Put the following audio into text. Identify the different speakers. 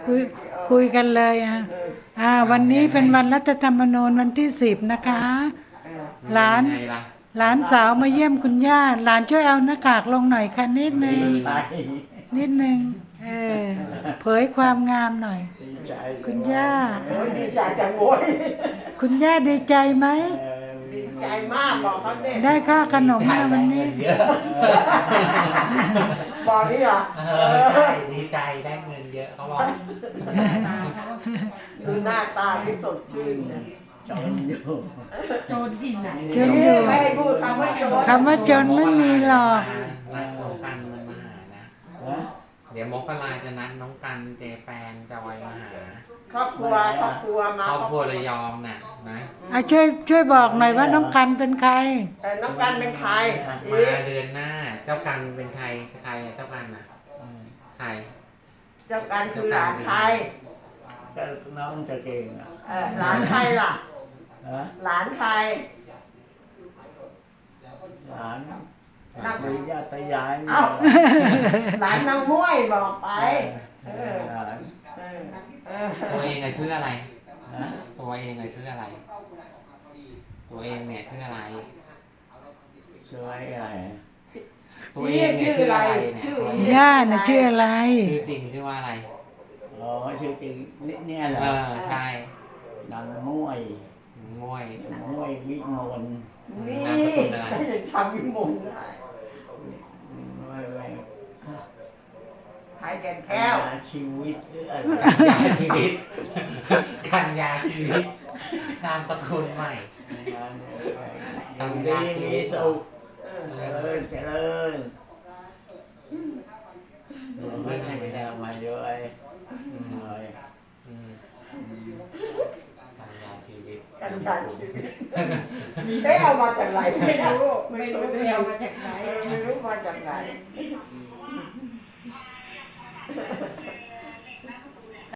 Speaker 1: คุยคุยกันเลยวันนี้เป็นวันรัฐธรรมนูญวันที่10นะคะ หลานหลานสาวมาเยี่ยมคุณย่าหลานช่วยเอาหน้ากากลงหน่อยค่ะนิดนึงนิดนึงเผยความงามหน่อยคุณย่า
Speaker 2: ดีใจจังโว้ย
Speaker 1: คุณย่าดีใจไหม
Speaker 2: ดีใจมากบอกเขาเนี่ย
Speaker 1: ได้ค่าขนมมาวันนี้
Speaker 2: บอกนี่เหรอ
Speaker 3: ดีใจได้เงินเยอะเขาบอก
Speaker 2: ดูหน้าตาที่สดชื่นเนี่ย
Speaker 4: จนอยู่
Speaker 1: จนอยู่
Speaker 2: ไม่ให้พูดคำว่าโจร
Speaker 1: คำว่าจนไม่มีหรอก
Speaker 3: นัดน้องกันมันมาหานะ เดี๋ยวมกราจะนัดน้องกันเจแปนจอยมาหา
Speaker 2: ครอบครัวมา
Speaker 3: ครอบครัวระยองน่ะนะ
Speaker 1: ช่วยบอกหน่อยว่าน้องกันเป็นใคร
Speaker 2: น้องกันเป็นใคร
Speaker 3: มาเดือนหน้า เจ้ากันเป็นใครใครเจ้ากันน่ะใคร
Speaker 2: เจ้ากันคือหลานใคร
Speaker 4: ก็น้องจะเก่งอ่ะ
Speaker 2: หลานใครล่ะ
Speaker 4: ฮะ
Speaker 2: หลานใคร
Speaker 4: หลานมีญาติยาย
Speaker 2: เอ้า หลานนางม้วยบอกไป
Speaker 4: หลาน
Speaker 3: ตัวเองชื่ออะไร
Speaker 4: นะ
Speaker 3: ตัวเองชื่ออะไร ตัวเองเนี่ยชื่ออะไร
Speaker 4: ช่วยอะไร
Speaker 3: ตัวเองเนี่ยชื่ออะไรเนี่ย
Speaker 1: ย่าน่ะชื่ออะไร
Speaker 3: ชื่อจริงชื่อว่าอะไร
Speaker 4: อ๋อชื่อจริงเนี่ยเหรอ
Speaker 3: ใช่
Speaker 4: นางม้วย
Speaker 3: มวย
Speaker 4: ม้วยวิมล
Speaker 2: นี่
Speaker 3: นามสกุลอะไร
Speaker 2: ไม่ได้ทำวิมลได้
Speaker 4: ไม่
Speaker 2: ใครแก่นแก้ว
Speaker 4: ชีวิตหรืออะไร
Speaker 3: กันยาชีวิตกันยาชีวิตนามสกุลใหม่
Speaker 4: ทำดีมีสุขเจริญไม่ได้มาด้วยหน่อย
Speaker 3: กันยาชีวิต
Speaker 2: กัญชาชีวิตได้เอามาจากไหนไม่รู้
Speaker 5: ไม่รู้ไปเอามาจากไหน
Speaker 2: ไม่รู้มาจากไหน